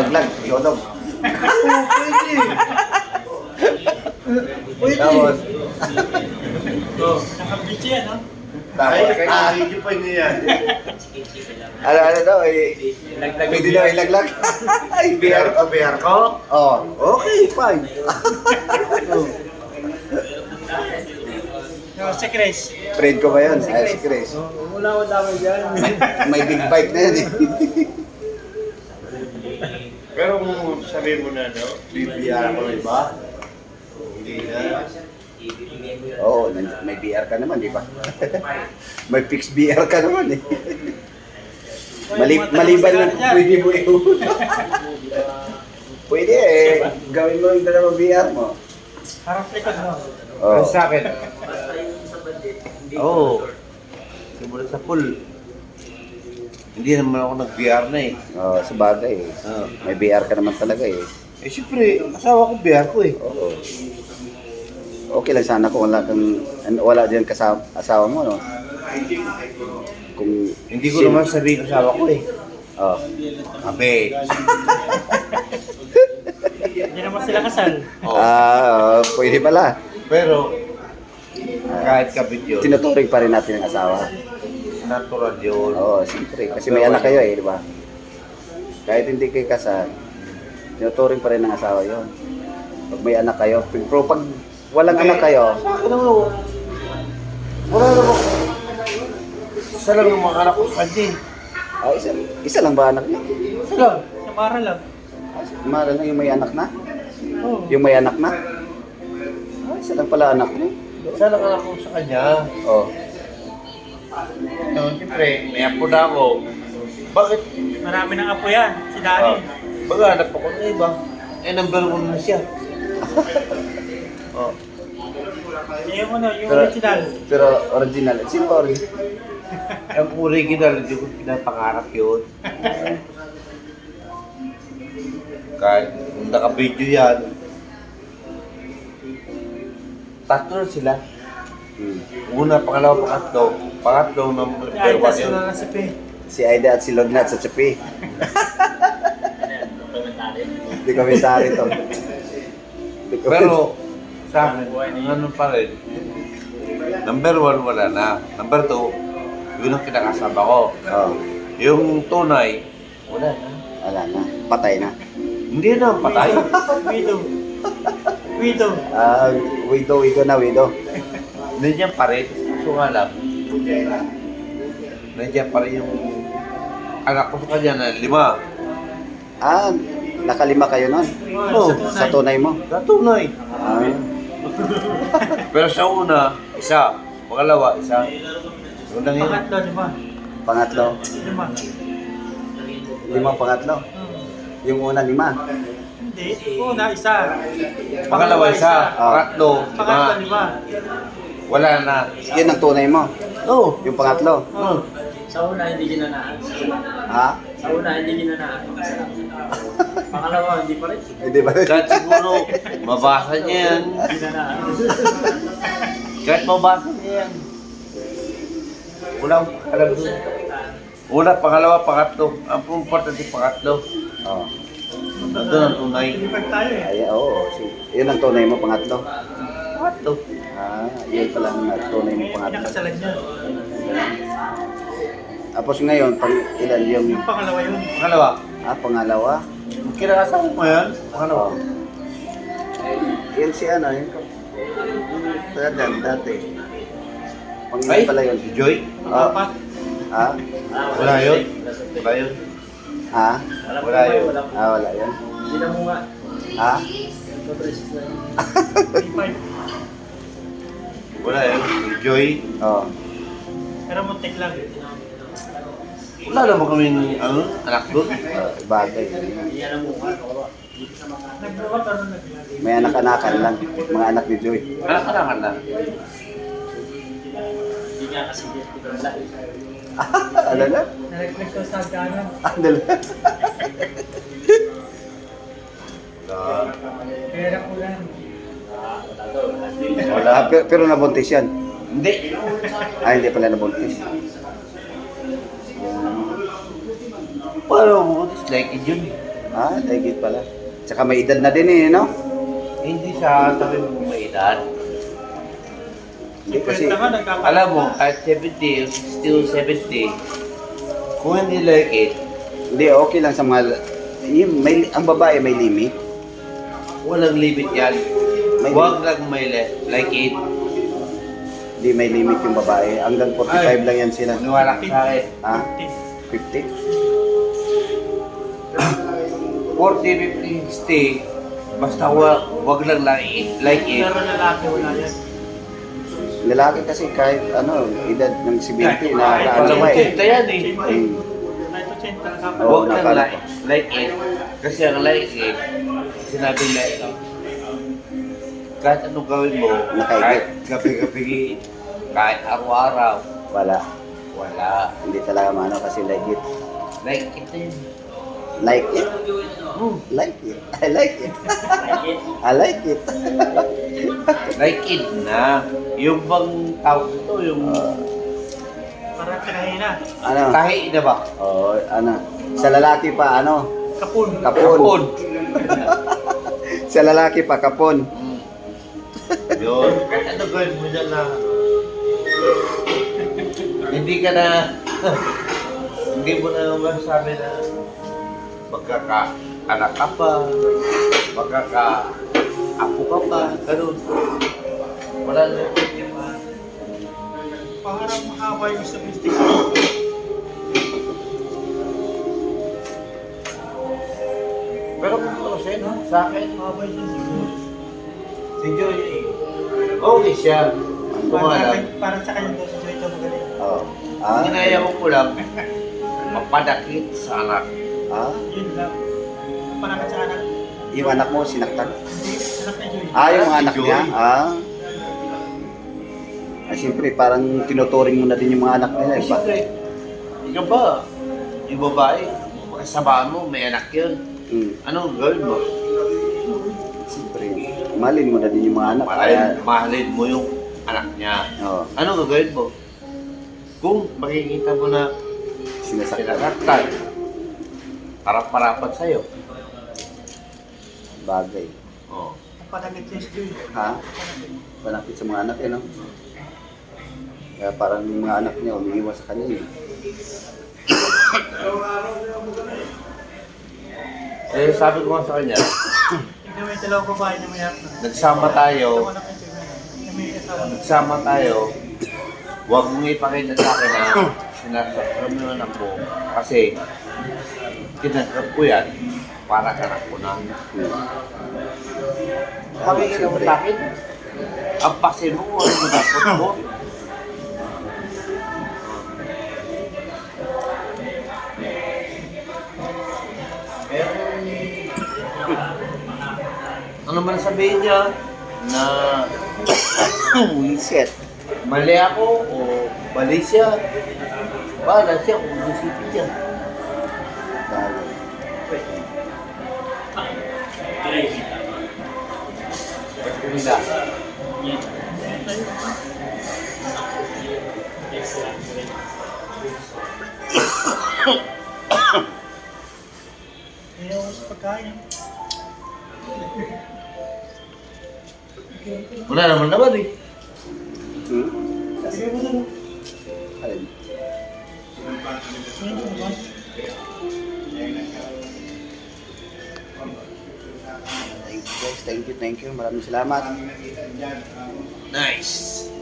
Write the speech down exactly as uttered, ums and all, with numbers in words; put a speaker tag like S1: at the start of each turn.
S1: ilaglag. Yodog.
S2: Oo, pwede. Pwede.
S1: Tapos,
S3: Oh, nakabitsi yan, no?
S2: Ay,
S1: tapos,
S2: kaya
S1: ah,
S2: video pa niya yan.
S1: ano, ano daw, eh, pwede daw ilaglag. Ay,
S2: B R
S1: beer.
S2: ko, B R ko.
S1: Oh, okay, fine.
S3: No, si Chris.
S1: Friend ko ba yun? Ay, si Chris.
S3: Wala ko dapat dyan.
S1: May big bike na yan eh.
S2: Pero kung sabihin mo na, no? B R ko, iba? Hindi na.
S1: Oo, nan- may B R ka naman, di ba? May fixed B R ka naman eh. Mali maliban lang kung pwede mo i-hood. Pwede eh. Gawin mo yung dalawang B R mo.
S3: Harap likod mo.
S1: Oh.
S2: Sa akin? Oo. Oh. Simula sa pool. Hindi naman ako nag-B R na eh.
S1: Oh, sa bagay eh.
S2: Oo.
S1: May B R ka naman talaga eh.
S2: Eh, syempre, asawa ko B R ko eh.
S1: Oo. Okay lang sana kung wala kang an- wala diyan kasama asawa mo no. Kung
S2: Hindi ko naman sabihin asawa ko eh.
S1: Oh.
S2: Abe.
S3: Hindi naman sila kasal.
S2: Oh.
S1: Ah, oh, pwede pala.
S2: Pero, kahit kabit yun,
S1: Tinuturing pa rin natin ang asawa.
S2: natural yun.
S1: Oo, siyempre. Kasi may anak kayo eh, di ba? Kahit hindi kayo kasal, tinuturing pa rin ng asawa yon. Pag may anak kayo, pero pag walang anak kayo,
S2: Sa akin naman, wala naman. Isa lang yung mga anak ko sa kanya eh.
S1: ah, isa, isa lang ba anak niya?
S2: Isa lang.
S3: Sa para lang.
S1: Mahal na yung may anak na?
S3: Oh.
S1: Yung may anak na? Ah, isa lang pala anak niya.
S2: Isa lang anak ko sa kanya.
S1: Oh.
S2: No, siyempre, may apo na ako. Bakit?
S3: Marami ng apo yan. Si Danny.
S2: Ah, baga, anak ko na iba. Eh, number one na siya. Oh.
S3: Yung ano, yung
S1: Pero,
S3: original.
S1: pero original. Sino ba original?
S2: Ang original, hindi ko pinapangarap yun. Kahit kung naka-video yan, tatlo na sila.
S1: Hmm.
S2: Una, pangalawa, pangatlo. Pangatlo number
S3: Ay,
S2: one
S3: tas
S2: yun.
S3: sila na si P.
S1: Si Aida at si Lognat sa Chapi. Hindi komentary to. Hindi komentary.
S2: Pero, sa akin, ano pa rin. Number one, wala na. Number two, yun ang kinakasama ko.
S1: Oh,
S2: Yung tunay, wala na.
S1: wala na. Patay na.
S2: Hindi na, patay.
S3: Widow. Widow.
S1: Ah, widow, widow na, widow.
S2: Nandiyan pa rin. So nga lang, nandiyan pa rin yung anak ko sa kanya na lima.
S1: Ah, nakalima kayo nun?
S2: Oh,
S1: Sa tunay mo?
S2: Sa tunay.
S1: Ah,
S2: Pero sa una, isa. Pangalawa, isa. Yung lang yun.
S3: Pangatlo, lima.
S1: pangatlo.
S3: Lima.
S1: Lima pangatlo.
S3: Hmm.
S1: Yung una, lima.
S3: Hindi. Una, isa.
S2: Pangalawa, isa. Pangatlo,
S3: Pangatlo,
S2: lima.
S3: lima.
S2: Wala na.
S1: Yun ang tunay mo.
S2: Oh.
S1: Yung pangatlo.
S3: Oh.
S4: Sa una, hindi ginanaan.
S1: Ha?
S4: Sa una, hindi ginanaan. Pangalawa, hindi pa rin.
S1: Hindi ba?
S2: Kahit siguro, mabasa niya yan.
S4: Ginanaan.
S2: Kahit mabasa niya yan. Wala akong alam doon. Una, pangalawa, pangatlo. Ang importante, pangatlo.
S1: Oh.
S2: Nandun ang tunay.
S3: Lipag tayo eh.
S1: Ay, oo. Si- Yun ang tunay mo, pangatlo.
S2: Pangatlo.
S1: Ah, yun pala ang tunay mo,
S3: May
S1: pangatlo.
S3: pinakasalan niya.
S1: Tapos ngayon, pang ilan yung...
S3: Yung pangalawa yun.
S2: Pangalawa.
S1: Ah, pangalawa.
S2: Kinakasama mo yan? Pangalawa.
S1: Oh. Yun si ano, yun. Tagan, dati. Pangilan
S2: Ay,
S1: pala yun.
S2: si Joy?
S1: Ah,
S3: Apat.
S1: ha?
S2: Wala yun? Wala yun?
S1: Ha?
S2: Wala yun.
S1: Ah, wala yun.
S4: Hindi na mo nga.
S1: Ha?
S4: Papresis na yun.
S3: Five.
S2: Wala yun. Si Joy?
S1: Oo.
S3: Pero muntik lang.
S2: Wala naman kaming ano, anak doon.
S1: Uh, bagay.
S4: Hindi na mo nga.
S3: Nagbuwat ano naglag.
S1: May anak-anakan lang. Mga anak ni Joy.
S2: Anak-anakan na.
S4: Hindi nga kasi dito ko lang.
S1: Ano na?
S3: Nalaglag ko sa ganon.
S1: Ano na?
S3: Pera ko lang.
S2: Wala.
S1: Ah, pero, pero nabuntis yan.
S2: Hindi.
S1: Ah, hindi pala nabuntis.
S2: Paano mo? It's like it yun.
S1: Ah, higit pala. Tsaka may edad na din eh, no?
S2: Hindi siya sabi mo may edad.
S1: Hindi kasi,
S3: Kwenta nga, nagkakaroon
S2: Alam mo,
S3: na.
S2: kahit seventy, sixty o seventy, kung hindi like it,
S1: hindi, okay lang sa mga, yung, may, ang babae may limit.
S2: walang limit yan.
S1: May
S2: Huwag lang may le- like it.
S1: Hindi may limit yung babae. Hanggang forty-five
S2: Ay.
S1: lang yan sila.
S2: Maniwala ka sa akin.
S1: Ha? fifty?
S2: forty, fifty, sixty, basta huwag, huwag lang like it. Like it.
S3: Pero lalaki wala yan.
S1: Lalaki kasi kahit ano, edad ng seventy na
S3: Kahit
S1: ano
S2: Walang
S1: pa eh.
S2: ochenta yan eh.
S1: Hmm.
S3: Kahit ochenta, nakapal.
S1: Oo,
S2: Huwag lang
S1: nakala
S2: like,
S1: ko.
S2: like it. Kasi ang like it, sinabi like it. Kahit anong gawin mo,
S1: Nakaigit.
S2: kahit gabi-gabi, kahit araw-araw,
S1: Wala.
S2: wala.
S1: Hindi talaga maano kasi like it.
S2: Like it na yun.
S1: Like it?
S2: Hmm.
S1: Like it. I like it. I like it.
S2: Like it na. Yung bang tawag ito, yung
S3: Parang kinahina.
S1: Ano?
S2: tahi na ba?
S1: Oh, ano? Sa lalaki pa, ano?
S3: Kapun.
S1: Kapon.
S2: Kapon.
S1: Sa lalaki pa, kapon.
S2: Hmm. Yun. Kahit ano gawin mo dyan na hindi ka na hindi mo na masabi na magkaka-anak ka pa, magkaka-apo ka pa, ganun. Wala na.
S3: Parang mahaba yung statistic.
S2: Pero kung tutusin, sa akin,
S3: Mahaba yung siguro.
S2: si Joy, okay siya. Kung alam,
S3: Parang, parang sa kanya daw si Joy ito magaling.
S1: Oh. Ah?
S2: ginaya ko lang, mapadakit sa anak.
S1: Ah?
S3: Yun lang. Parang sa anak.
S1: Yung anak mo, sinaktan?
S3: Hindi, anak ni Joy.
S1: Ah, yung
S2: Si
S1: anak
S2: Joy.
S1: niya? Ah? Ah, siyempre, parang tinuturing mo na din yung mga anak nila.
S2: Eh,
S1: Eh, ba?
S2: siyempre, ikaw ba, yung babae, kasabaan mo, may anak yun.
S1: Hmm.
S2: Anong gawin mo?
S1: Siyempre, mahalin mo na din yung mga anak.
S2: Mahalin,
S1: Kaya,
S2: mahalin mo yung anak niya.
S1: oh,
S2: Anong gagawin mo? Kung makikita mo na
S1: sinasaktan.
S2: sinasaktan, parap-parapat sa'yo.
S1: Bagay.
S2: Oh.
S3: Panagit si Joy.
S1: Ha? Malapit sa mga anak eh, no? Kaya parang yung mga anak niya umiiwas sa kanya eh.
S2: Eh, sabi ko nga sa kanya,
S3: Tignan mo yung dalawang babae na mayroon na.
S2: nagsama tayo,
S3: Yung anak ni Joy na may asawa na.
S2: nagsama tayo, huwag mong ipakita sa akin na sinasaktan mo yung anak mo kasi tinanggap ko yan para kanak ko na.
S1: Hmm.
S2: Pakikita mo sa akin, ang pasin mo kung ano mo dapat mo. Ano man sabihin niya na
S1: Wiset.
S2: mali ako o mali siya, bahala siya kung isipin niya. Hindi.
S3: Ayaw ko sa pagkain.
S2: Wala naman naman eh.
S1: Hmm?
S3: Sige mo na.
S1: Alin?
S3: Ayun, lumabas.
S1: Thank you guys, thank you, thank you. Maraming salamat.
S2: Nice.